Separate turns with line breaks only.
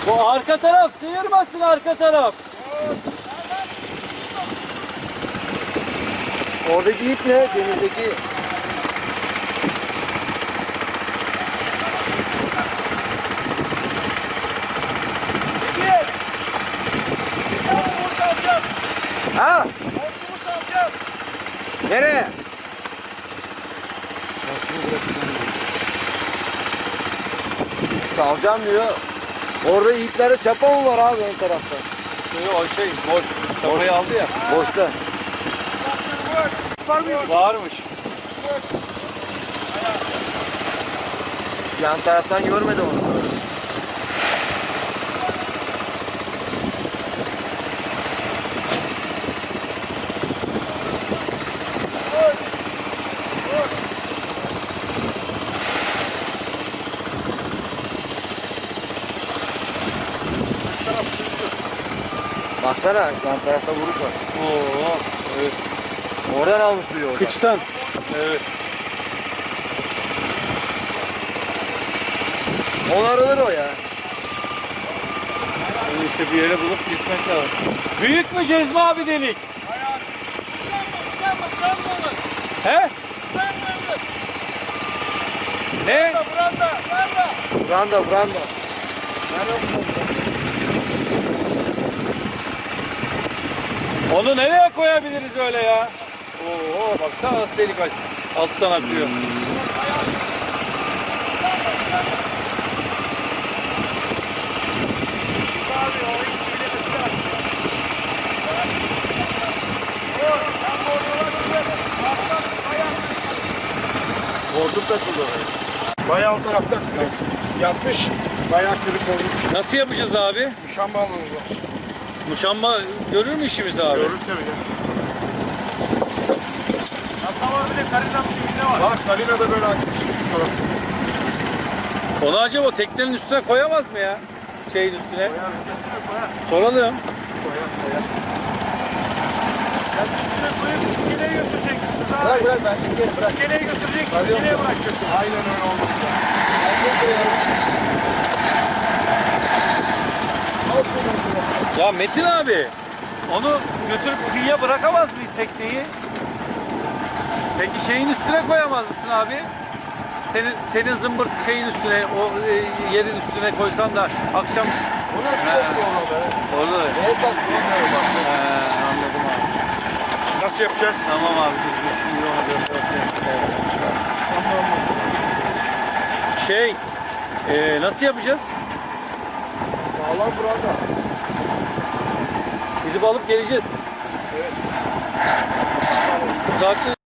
Bu arka taraf sıyırmasın, arka taraf.
Oradaki ip ne? Denizdeki. Ha? Nereye? Salacağım diyor. Orada ipleri çapa mı var abi ön tarafta?
O boş. Çapayı aldı ya.
Boşta.
Varmış.
Yan taraftan görmedim onu. Baksana yan tarafta vuruk var.
Oo, evet.
Oradan almış suyu oradan.
Kıçtan. Evet.
Onarılır o ya.
İşte bir yere bulup gitmek lazım. Büyük mü Cezmi abi delik? He? Ne?
Branda.
Onu nereye koyabiliriz öyle ya? Oo, baksana nasıl delik aç. Alttan akıyor.
Hortum takıldı oraya.
Bayağı o tarafta yatmış, bayağı kırık olmuş.
Nasıl yapacağız abi?
Muşamba alanı var.
Muşamba görür mü işimizi abi?
Görür tabii ya. Var, Kalina da böyle açmış. Tamam.
Onu acaba teknenin üstüne koyamaz mı ya? Şeyin üstüne. Soralım.
Bırak ben çekerim bırak.
İskeleye götürecek, iskeleye bırakacaksın. Aynen öyle oldu.
Ya Metin abi, onu götürüp kıyıya bırakamaz mıyız tekneyi? Peki şeyin üstüne koyamaz mısın abi? Senin zımbırt şeyin üstüne, o yerin üstüne koysan da akşam...
Bu nasıl yapıyor onu be?
Orada da.
Neye takıyor onları bak.
Anladım abi.
Nasıl yapacağız?
Tamam abi. Şimdi ona göstereyim. Nasıl yapacağız?
Sağlam burada.
Gidip alıp geleceğiz. Evet. Uzaklığı